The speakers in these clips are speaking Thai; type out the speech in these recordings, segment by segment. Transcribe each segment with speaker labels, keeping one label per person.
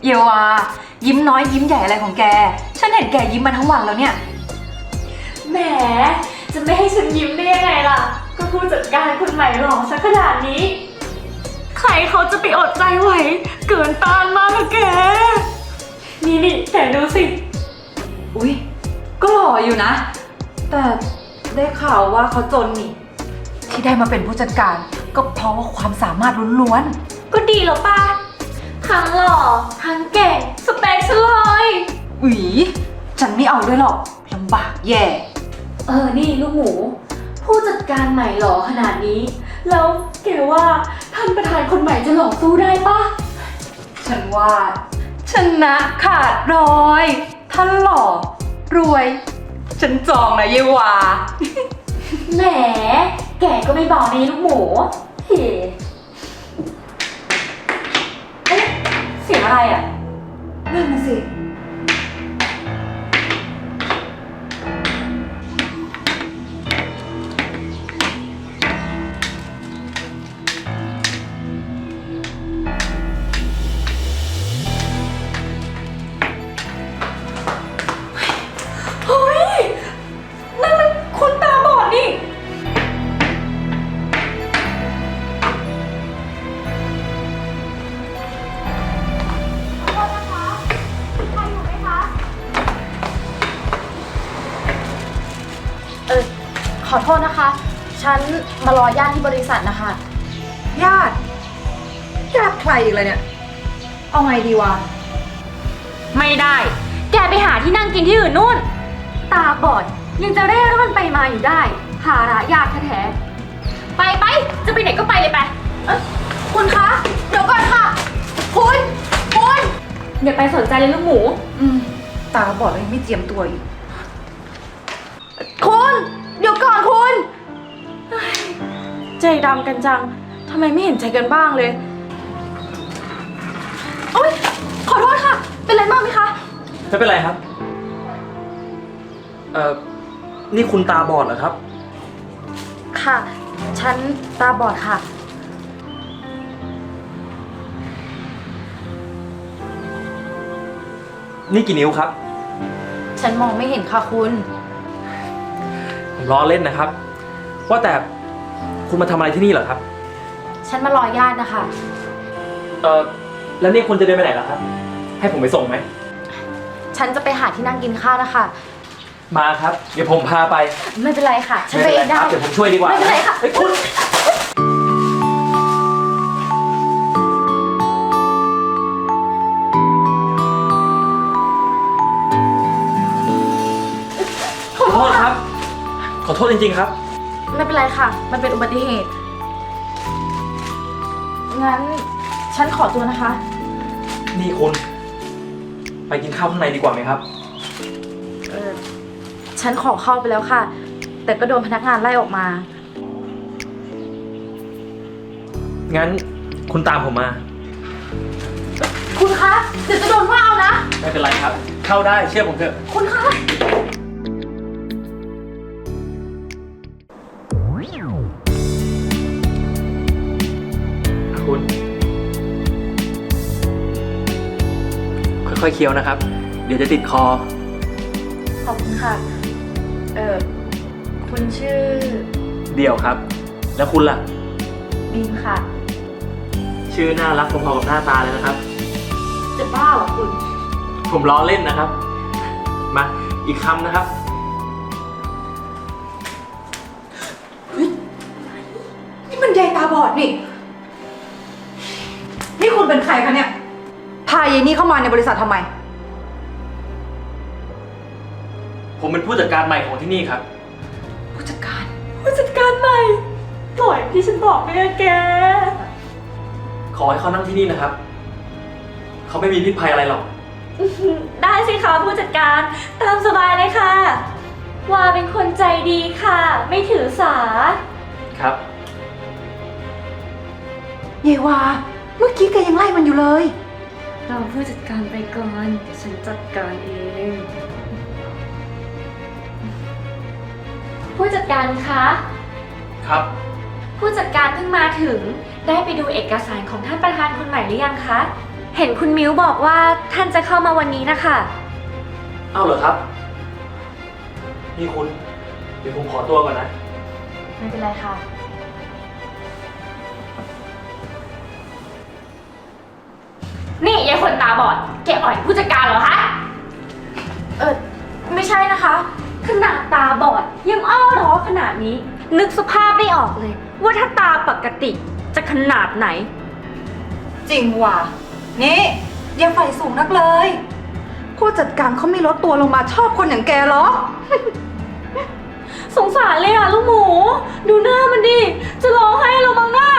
Speaker 1: เยวายิ้มน้อยยิ้มใหญ่อะไรของแกฉันเห็นแกยิ้มมาทั้งวันแล้วเนี่ย
Speaker 2: แหมจะไม่ให้ฉันยิ้มได้ยังไงล่ะก็ผู้จัดการคนใหม่หล่อซะขนาดนี้ใครเขาจะไปอดใจไหวเกินต้านมากอะแกนี่แกดูสิ
Speaker 1: อุ๊ยก็หล่ออยู่นะแต่ได้ข่าวว่าเขาจนนี่ที่ได้มาเป็นผู้จัดการก็เพราะว่าความสามารถล้วน
Speaker 2: ก็ดีแล้วป่ะทั้งหล่อทั้งเก่งสเปคฉันเลย
Speaker 1: ๆอุ๊ยฉันไม่เอาด้วยหรอกลำบากแย่
Speaker 2: นี่ลูกหมูผู้จัดการใหม่หล่อขนาดนี้แล้วแกว่าท่านประธานคนใหม่จะหล่อสู้ได้ป่ะ
Speaker 1: ฉันว่าชนะขาดร้อยท่านหล่อรวยฉันจองนะเยวา
Speaker 2: แหมแกก็ไม่บอกนี่ลูกหมูเฮ้เสียงอะไรอ่ะ
Speaker 1: นั่นน่ะสิ
Speaker 3: ขอโทษนะคะ ฉันมารอญาติที่บริษัทนะคะ
Speaker 1: ญาติใครอีกเลยเนี่ยเอาไงดีวะ
Speaker 2: ไม่ได้แกไปหาที่นั่งกินที่อื่นนู่นตาบอดยังจะเร่ร่อนไปมาอยู่ได้ภาระยากแท้ๆไปจะไปไหนก็ไปเลยไป
Speaker 3: คุณคะเดี๋ยวก่อนค่ะคุณ
Speaker 2: อย่าไปสนใจเลยลูกหมู
Speaker 1: ตาบอดเลยไม่เจียมตัวอีก
Speaker 3: คุณเดี๋ยวก่อนคุณใจดำกันจังทำไมไม่เห็นใจกันบ้างเลยโอ๊ยขอโทษค่ะเป็นไรบ้างไหมคะ
Speaker 4: ไม่เป็นไรครับนี่คุณตาบอดเหรอครับ
Speaker 3: ค่ะฉันตาบอดค่ะ
Speaker 4: นี่กี่นิ้วครับ
Speaker 3: ฉันมองไม่เห็นค่ะคุณ
Speaker 4: ผมล้อเล่นนะครับว่าแต่คุณมาทำอะไรที่นี่เหรอครับ
Speaker 3: ฉันมารอญาตินะคะ
Speaker 4: แล้วนี่คุณจะเดินไปไหนล่ะครับให้ผมไปส่งไหม
Speaker 3: ฉันจะไปหาที่นั่งกินข้าวนะคะ
Speaker 4: มาครับเดี๋ยวผมพาไป
Speaker 3: ไม่เป็นไรค่ะฉันไปเองได้
Speaker 4: เดี๋ยวผมช่วยดีกว่า
Speaker 3: ไม่เป็นไรค่ะ
Speaker 4: คุณขอโทษครับขอโทษจริงๆครับ
Speaker 3: ไม่เป็นไรค่ะมันเป็นอุบัติเหตุงั้นฉันขอตัวนะคะ
Speaker 4: นี่คุณไปกินข้าวข้างในดีกว่าไหมครับ
Speaker 3: ฉันขอเข้าไปแล้วค่ะแต่ก็โดนพนักงานไล่ออกมา
Speaker 4: งั้นคุณตามผมมา
Speaker 3: คุณคะเดี๋ยวจะโดนว่าเอานะ
Speaker 4: ไม่เป็นไรครับเข้าได้เชื่อผมเถอะ
Speaker 3: คุณคะ
Speaker 4: คุณค่อยๆเคี้ยวนะครับเดี๋ยวจะติดคอ
Speaker 3: ขอบคุณค่ะคุณชื่อ
Speaker 4: เดี่ยวครับแล้วคุณล่ะ
Speaker 3: บีมค่ะ
Speaker 4: ชื่อน่ารักพอๆกับหน้าตาเลยนะครับ
Speaker 3: จะบ้าเหรอคุณ
Speaker 4: ผมล้อเล่นนะครับมาอีกคำนะครับ
Speaker 1: นี่มันยายตาบอดนี่คุณเป็นใครคะเนี่ยพายายนี่เข้ามาในบริษัททำไม
Speaker 4: ผมเป็นผู้จัดการใหม่ของที่นี่ครับ
Speaker 1: ผู้จัดการ
Speaker 2: ใหม่ปล่อยที่ฉันบอกไม่ได้แก
Speaker 4: ขอให้เขานั่งที่นี่นะครับเขาไม่มีพิษภัยอะไรหรอก
Speaker 2: ได้สิคะผู้จัดการตามสบายเลยค่ะว่าเป็นคนใจดีค่ะไม่ถือสา
Speaker 4: ครับ
Speaker 1: เยวาเมื่อกี้แกยังไล่มันอยู่เลย
Speaker 2: เราผู้จัดการไปก่อนเดี๋ยวฉันจัดการเองผู้จัดการคะ
Speaker 4: ครับ
Speaker 2: ผู้จัดการเพิ่งมาถึงได้ไปดูเอกสารของท่านประธานคนใหม่หรือยังคะเห็นคุณมิ้วบอกว่าท่านจะเข้ามาวันนี้นะคะ
Speaker 4: เอาเหรอครับ นี่คุณ เดี๋ยวผมขอตัวก่อนนะ
Speaker 3: ไม่เป็นไรค่ะ
Speaker 2: นี่ยายคนตาบอด แกอ่อยผู้จัดการเหรอคะ
Speaker 3: ไม่ใช่นะคะ
Speaker 2: ขนาดตาบอดยังอ้อร้อขนาดนี้ นึกสภาพไม่ออกเลย ว่าถ้าตาปกติจะขนาดไหน
Speaker 1: จริงว่ะ นี่อย่าใฝ่สูงนักเลย ผู้จัดการเขาไม่ลดตัวลงมาชอบคนอย่างแกหรอ
Speaker 2: สงสารเลยอ่ะลูกหมู ดูหน้ามันดิ จะร้องไห้เราบ้างหน้า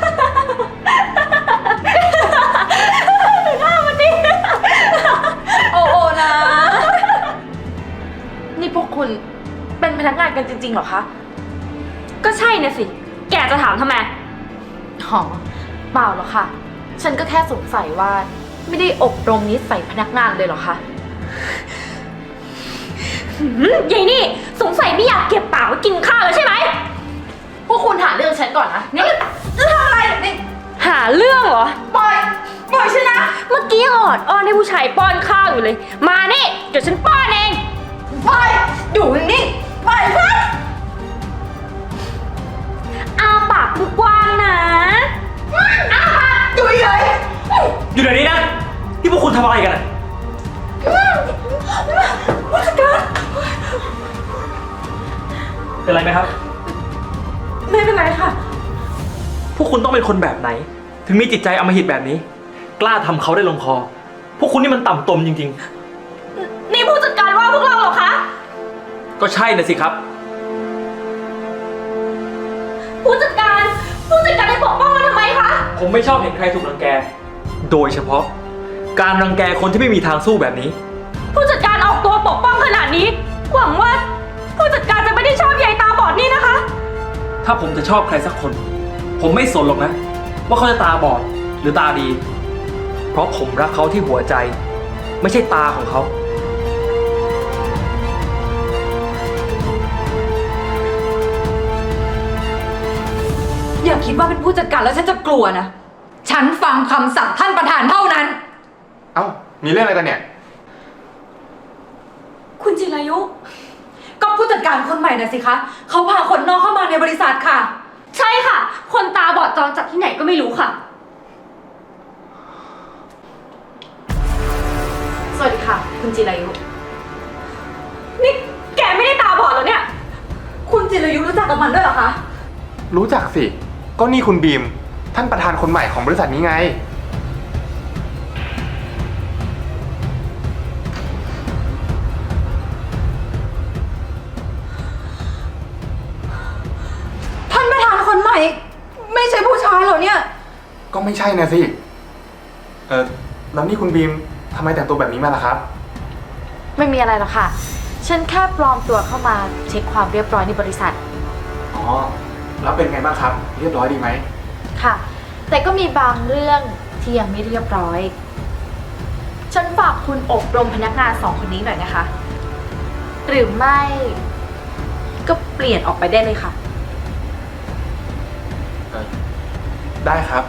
Speaker 2: ดูหน้ามันดิ
Speaker 1: โอ้โอนะ
Speaker 3: นี่พวกคุณเป็นพนักงานกันจริงๆเหรอคะ
Speaker 2: ก็ใช่นะสิ แกจะถามทำไม
Speaker 3: อ๋อเปล่าหรอกค่ะ ฉันก็แค่สงสัยว่าไม่ได้อบรมนิสัยพนักงานเลยเหรอคะ
Speaker 2: ยายนี่สงสัยไม่อยากเก็บปากไว้กินข้าวแล้วใช่ไหม
Speaker 3: พวกคุณหาเรื่องฉันก่อนนะ
Speaker 2: นี่จะทำอะไรนี่หาเรื่องเหรอ ปล่อยฉันนะ เมื่อกี้ออดอ้อนให้ผู้ชายป้อนข้าวอยู่เลย มานี่ เดี๋ยวฉันป้อนเอง
Speaker 1: ไปอยู่นิ่งๆไปซะ
Speaker 2: อ้าปากกว้างๆนะอ้าปาก
Speaker 1: อยู่เฉย
Speaker 4: อยู่เดี๋ยวนี้นะ ที่พวกคุณทำอะไรกันอะเป็นไรไหมครับ
Speaker 1: ไม่เป็นไรค่ะ
Speaker 4: พวกคุณต้องเป็นคนแบบไหน ถึงมีจิตใจอำมหิตแบบนี้ กล้าทำเขาได้ลงคอ พวกคุณนี่มันต่ำตมจริง
Speaker 2: นี่ผู้จัดการว่าพวกเราเหรอคะ
Speaker 4: ๆ ก็ใช่นะสิครับ
Speaker 2: ผู้จัดการไปปกป้องมันทำไมคะ
Speaker 4: ผมไม่ชอบเห็นใครถูกรังแก โดยเฉพาะ การรังแกคนที่ไม่มีทางสู้แบบนี้
Speaker 2: ผู้จัดการออกตัวปกป้องขนาดนี้ หวังว่าผู้จัดการจะไม่ได้ชอบยายตาบอดนี่นะคะ
Speaker 4: ถ้าผมจะชอบใครสักคน ผมไม่สนหรอกนะ ว่าเขาจะตาบอดหรือตาดี เพราะผมรักเขาที่หัวใจ ไม่ใช่ตาของเขา
Speaker 1: อย่าคิดว่าเป็นผู้จัดการแล้วฉันจะกลัวนะ ฉันฟังคำสั่งท่านประธานเท่านั้น
Speaker 5: เอ้า มีเรื่องอะไรกันเนี่ย
Speaker 2: คุณจิรายุ
Speaker 1: ก็ผู้จัดการคนใหม่น่ะสิคะ เขาพาคนนอกเข้ามาในบริษัทค่ะ
Speaker 2: ใช่ค่ะ คนตาบอดจรจากที่ไหนก็ไม่รู้ค่ะ
Speaker 3: สวัสดีค่ะ คุณจิรายุ
Speaker 2: นี่แกไม่ได้ตาบอดเหรอเนี่ย
Speaker 1: คุณจิรายุรู้จักกับมันด้วยเหรอคะ
Speaker 5: รู้จักสิ ก็นี่คุณบีม ท่านประธานคนใหม่ของบริษัทนี้ไง
Speaker 1: ท่านประธานคนใหม่ ไม่ใช่ผู้ชายเหรอเนี่ย
Speaker 5: ก็ไม่ใช่นะสิ แล้วนี่คุณบีมทำไมแต่งตัวแบบนี้มาล่ะครับ
Speaker 3: ไม่มีอะไรหรอกค่ะ ฉันแค่ปลอมตัวเข้ามาเช็คความเรียบร้อยในบริษัท
Speaker 5: อ๋อ แล้วเป็นไงบ้างครับ เรียบร้อยดีไหม
Speaker 3: ค่ะ แต่ก็มีบางเรื่องที่ยังไม่เรียบร้อย ฉันฝากคุณอบรมพนักงาน2 คนนี้หน่อยนะคะ หรือไม่ก็เปลี่ยนออกไปได้เลยค่ะ
Speaker 5: ได้ครับ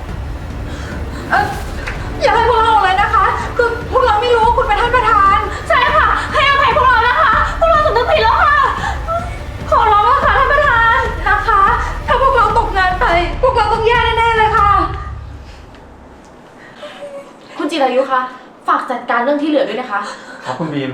Speaker 1: อย่าให้พวกเราเลยนะคะ คือพวกเราไม่รู้ว่าคุณเป็นท่านประธาน
Speaker 2: ใช่ค่ะ ให้อภัยพวกเรานะคะ พวกเราสำนึกผิดแล้วค่ะ ขอร้องแล้วค่ะท่านประธาน
Speaker 1: นะคะ ถ้าพวกเราตกงานไป พวกเราต้องแย่แน่ๆเลยค่ะ
Speaker 3: คุณจิรายุคะ ฝากจัดการเรื่องที่เหลือด้วยนะคะ
Speaker 5: ครับคุณบีม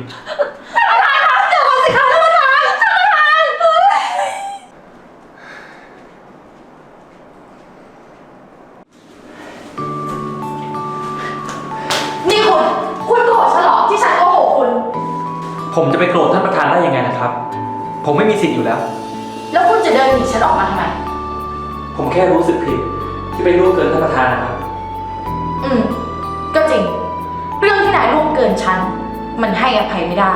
Speaker 3: นี่คุณโกรธฉันเหรอที่ฉันโกหกคุณ
Speaker 4: ผมจะไปโกรธท่านประธานได้ยังไงนะครับ ผมไม่มีสิทธิ์อยู่แล้ว
Speaker 3: แล้วคุณจะเดินหนีฉันออกมาทำไม
Speaker 4: ผมแค่รู้สึกผิด ที่ไปล่วงเกินท่านประธานนะครับ
Speaker 3: ก็จริง เรื่องที่นายล่วงเกินฉัน มันให้อภัยไม่ได้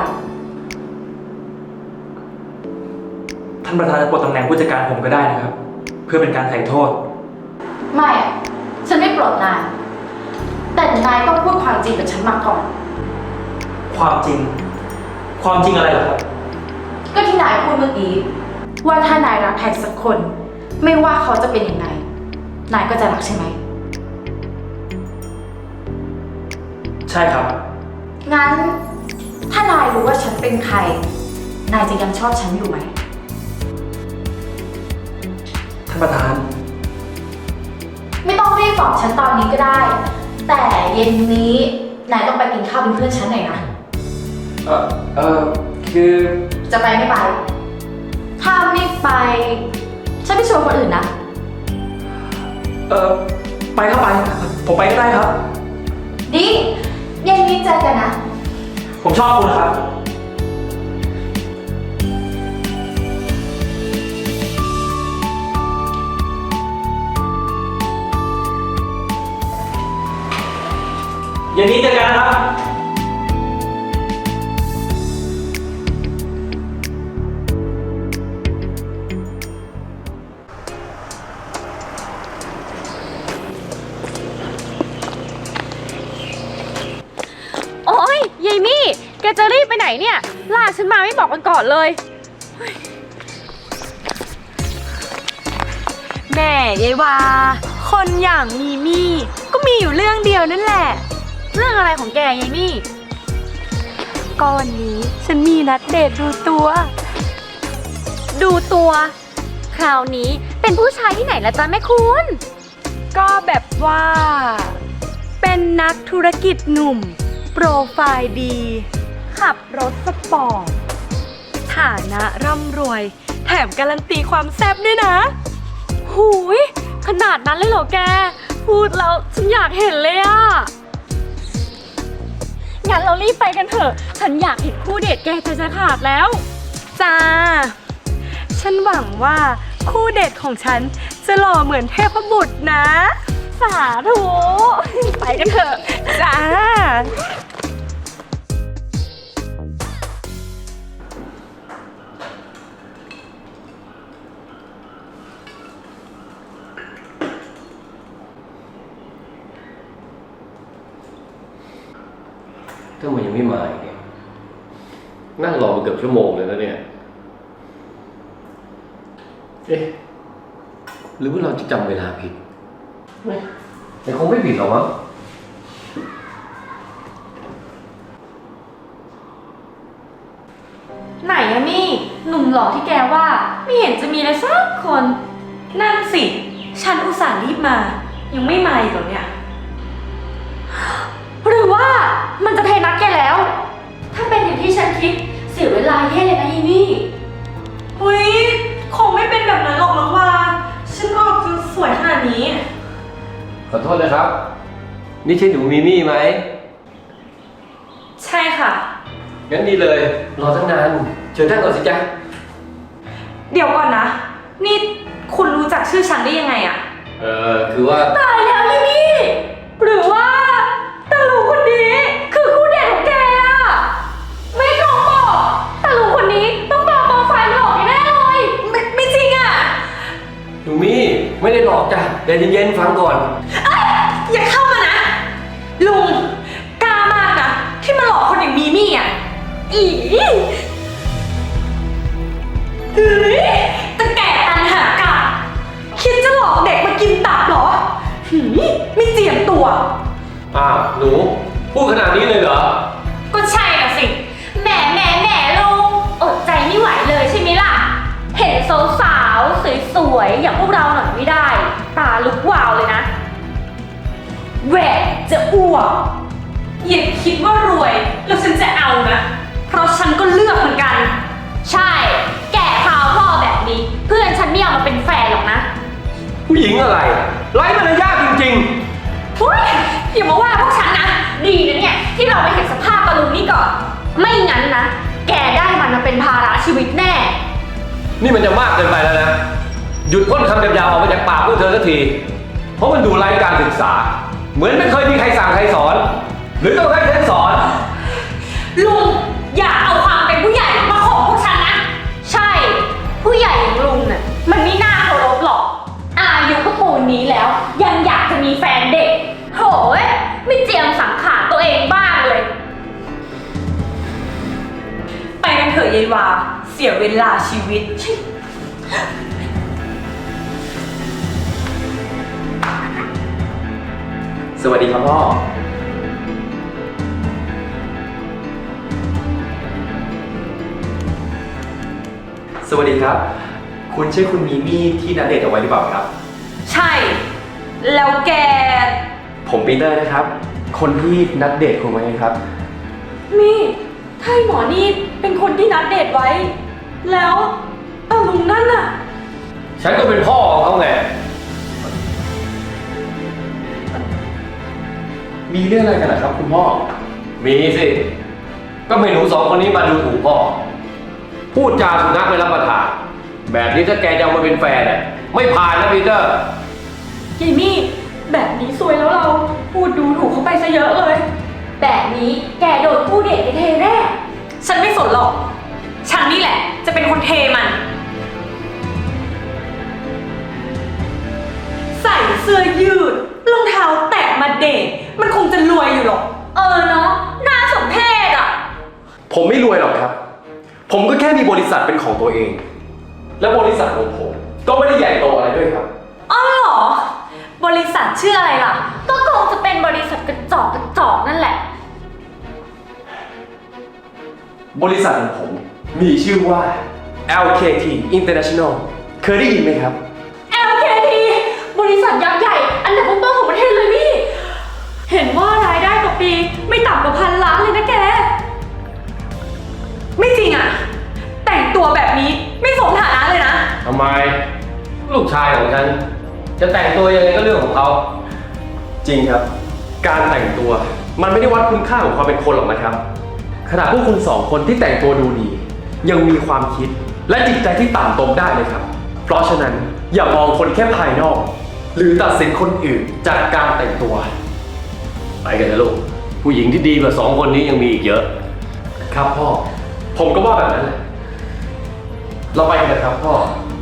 Speaker 4: ท่านประธานจะปลดตำแหน่งผู้จัดการผมก็ได้นะครับ เพื่อเป็นการไถ่โทษ
Speaker 3: ไม่อะฉันไม่ปลดนาย แต่นายต้องพูดความจริงกับฉันมาก่อน
Speaker 4: ความจริง ความจริงอะไรเหรอครับ
Speaker 3: ก็ที่นายพูดเมื่อกี้ว่าถ้านายรักใครสักคน ไม่ว่าเขาจะเป็นยังไง นายก็จะรักใช่ไหม
Speaker 4: ใช่ครับ
Speaker 3: งั้น ถ้านายรู้ว่าฉันเป็นใคร นายจะยังชอบฉันอยู่ไหม
Speaker 4: ท่านประธาน
Speaker 3: ไม่ต้องรีบบอกฉันตอนนี้ก็ได้ แต่เย็นนี้นายต้องไปกินข้าวเป็นเพื่อนฉันหน่อยนะ
Speaker 4: คือ
Speaker 3: จะไปไม่ไป ถ้าไม่ไป ฉันไม่ชวนคนอื่นนะ
Speaker 4: ไปครับไป ผมไปก็ได้ครับ
Speaker 3: ดีเย็นนี้เจอกันนะ
Speaker 4: ผมชอบคุณครับ เย็นนี้เจอกันนะครับ
Speaker 2: โอ๊ยยายมี่ แกจะรีบไปไหนเนี่ย ลากฉันมาไม่บอกกันก่อนเลยแม่ยายวา คนอย่างมีมี่ก็มีอยู่เรื่องเดียวนั่นแหละ เรื่องอะไรของแกยายมี่ก็วันนี้ฉันมีนัดเดทดูตัว ดูตัว คราวนี้เป็นผู้ชายที่ไหนละจ๊ะแม่คุณ ก็แบบว่า เป็นนักธุรกิจหนุ่ม โปรไฟล์ดี ขับรถสปอร์ต ฐานะร่ำรวย แถมการันตีความแซ่บด้วยนะ หูย ขนาดนั้นเลยเหรอแก พูดแล้วฉันอยากเห็นเลยอะงั้นเรารีบไปกันเถอะ ฉันอยากเห็นคู่เดทแกใจจะขาดแล้ว จ้า ฉันหวังว่าคู่เดทของฉันจะหล่อเหมือนเทพบุตรนะ สาธุ ไปกันเถอะ จ้า
Speaker 6: ทำไมยังไม่มาอีกเนี่ยนั่งรอมาเกือบชั่วโมงเลยนะเนี่ย เอ๊ะ หรือว่าเราจะจำเวลาผิดแต่คงไม่ผิดหรอกมั้ง
Speaker 2: ไหนอะมี่ หนุ่มหล่อที่แกว่า ไม่เห็นจะมีเลยสักคน นั่นสิ ฉันอุตส่าห์รีบมา ยังไม่มาอีกเหรอเนี่ย หรือว่ามันจะเทนัดแกแล้ว ถ้าเป็นอย่างที่ฉันคิด เสียเวลาแย่เลยนะยีนี่เฮ้ยคงไม่เป็นแบบนั้นหรอกมั้งว่าฉันออกจะสวยขนาดนี้
Speaker 6: ขอโทษนะครับ นี่ใช่หนูมีมี่ไหม
Speaker 2: ใช่ค่ะ
Speaker 6: งั้นดีเลย รอตั้งนาน เชิญนั่งก่อนสิจ๊ะ
Speaker 2: เดี๋ยวก่อนนะ นี่คุณรู้จักชื่อฉันได้ยังไงอะ
Speaker 6: คือว่า
Speaker 2: ตายแล้วยี่นี่หรือว่าตาลูคนนี้คือคู่เดทของแกอะไม่ตรงบอกตาลูคนนี้ต้องปลอมโปรไฟล์หลอกแน่เลยไม่จริงอะ
Speaker 6: หนูมี่ไม่ได้หลอกจ้ะแต่เย็นๆฟังก่อน
Speaker 2: อย่าเข้ามานะ ลุงกล้ามากนะที่มาหลอกคนอย่างมีมี่อะอีเฮ้ยตะแก่ตันหากาคิดจะหลอกเด็กมากินตับเหรอหืมไม่เจียมตัว
Speaker 6: อ้าว หนู พูดขนาดนี้เลยเหรอ
Speaker 2: ก็ใช่น่ะสิแหมลุงอดใจไม่ไหวเลยใช่ไหมล่ะ เห็นสาวๆสวยๆอย่างพวกเราหน่อยไม่ได้ ตาลุกวาวเลยนะแหวกจะอ้วกอย่าคิดว่ารวยแล้วฉันจะเอานะ เพราะฉันก็เลือกเหมือนกัน ใช่ แก่ข่าวพ่อแบบนี้ เพื่อนฉันไม่เอามาเป็นแฟนหรอกนะ
Speaker 6: ผู้หญิงอะไร ไร้มารยาทจริง
Speaker 2: เฮ้ยอย่ามาว่าพวกฉันนะ ดีนะเนี่ยที่เราไม่เห็นสภาพตะลุงนี่ก่อน ไม่งั้นนะ แกได้มันมาเป็นภาระชีวิตแน่
Speaker 6: ๆ นี่มันจะมากเกินไปแล้วนะ หยุดพ่นคำยาวๆออกมาจากปากพวกเธอสักที เพราะมันดูไร้การศึกษา เหมือนไม่เคยมีใครสั่งใครสอน หรือต้องให้ฉันสอน
Speaker 2: ลุงอย่าเอาความเป็นผู้ใหญ่มาของพวกฉันนะ ใช่ ผู้ใหญ่อย่างลุงน่ะมันไม่น่าเคารพหรอก อายุก็ปูนนี้แล้ว ยังอยากจะมีแฟนเด็กโหยไม่เจียมสังขารตัวเองบ้างเลย ไปกันเถอะยายวา เสียเวลาชีวิต
Speaker 4: สวัสดีครับพ่อสวัสดีครับ คุณใช่คุณมีมี่ที่นัดเดทเอาไว้หรือเปล่าครับ
Speaker 1: ใช่ แล้วแก
Speaker 4: ผมปีเตอร์นะครับ คนที่นัดเดทคุณไว้ครับ
Speaker 2: นี่ถ้าไอ้หมอนี่เป็นคนที่นัดเดทไว้ แล้วตาลุงนั่นน่ะ
Speaker 6: ฉันก็เป็นพ่อของเขาไง
Speaker 4: มีเรื่องอะไรกันนะครับคุณพ่อ
Speaker 6: มีสิ ก็ไม่หนูสองคนนี้มาดูถูกพ่อ พูดจาสุนัขไม่รับประทาน แบบนี้ถ้าแกจะเอามาเป็นแฟนเนี่ยไม่ผ่านนะปีเตอร์
Speaker 2: ยายมี่แบบนี้ซวยแล้วเราพูดดูถูกเขาไปซะเยอะเลย แบบนี้แกโดนผู้เดทไปเทแน่
Speaker 1: ฉันไม่สนหรอก ฉันนี่แหละ จะเป็นคนเทมัน ใส่เสื้อยืด รองเท้าแตะมาเดท มันคงจะรวยอยู่หรอก
Speaker 2: เนาะน่าสมเพชอ่ะ
Speaker 4: ผมไม่รวยหรอกครับ ผมก็แค่มีบริษัทเป็นของตัวเอง และบริษัทของผมก็ไม่ได้ใหญ่โตอะไรด้วยครับ
Speaker 1: อ๋อเหรอ บริษัทชื่ออะไรล่ะ
Speaker 2: ก็คงจะเป็นบริษัทกระจอกนั่นแหละ
Speaker 4: บริษัทของผมมีชื่อว่า LKT International เคยได้ยินไหมครับ
Speaker 2: LKT บริษัทยักษ์ใหญ่ อันดับต้นๆของประเทศเลยพี่ เห็นว่ารายได้ต่อปีไม่ต่ำกว่า1,000 ล้านเลยนะแก
Speaker 1: ไม่จริงอะแต่งตัวแบบนี้ไม่สมฐานะเลยนะ
Speaker 6: ทำไม ลูกชายของฉัน จะแต่งตัวยังไงก็เรื่องของเขา
Speaker 4: จริงครับ การแต่งตัวมันไม่ได้วัดคุณค่าของความเป็นคนหรอกนะครับ ขนาดพวกคุณสองคนที่แต่งตัวดูดี ยังมีความคิดและจิตใจที่ต่ำตมได้เลยครับ เพราะฉะนั้นอย่ามองคนแค่ภายนอก หรือตัดสินคนอื่นจากการแต่งตัว
Speaker 6: ไปกันนะลูก ผู้หญิงที่ดีกว่าสองคนนี้ยังมีอีกเยอะ
Speaker 4: ครับพ่อ ผมก็ว่าแบบนั้นแหละ เราไปกันนะครับพ่อ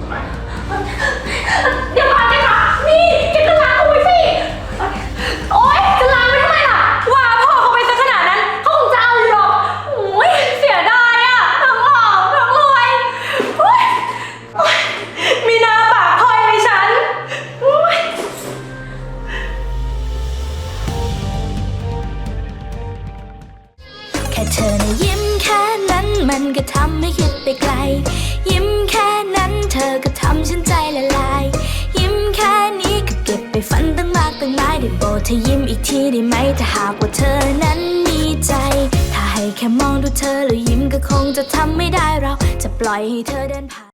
Speaker 2: เดี๋ยวก่อนสิคะนี่แกก็ล้างเอาไว้สิ โอ๊ย จะล้างไว้ทำไมล่ะ
Speaker 1: ว่าพ่อเขาไปซะขนาดนั้นเขาคงจะเอาอยู่หรอกโอ้ยเสียดายอะทั้งหล่อทั้งรวยโอ๊ยโอ๊ยมีหน้าปากพลอยเลยฉันโอ๊ย
Speaker 7: แค่เธอนะยิ้มแค่นั้นมันก็ทำให้คิดไปไกล ยิ้มแค่นั้นเธอก็ทำฉันใจละลาย ยิ้มแค่นี้ก็เก็บไปฝันตั้งมากตั้งหลายได้โปรดเธอยิ้มอีกทีได้ไหมถ้าหากว่าเธอนั้นมีใจ ถ้าให้แค่มองดูเธอแล้วยิ้มก็คงจะทำไม่ได้เราจะปล่อยให้เธอเดินผ่าน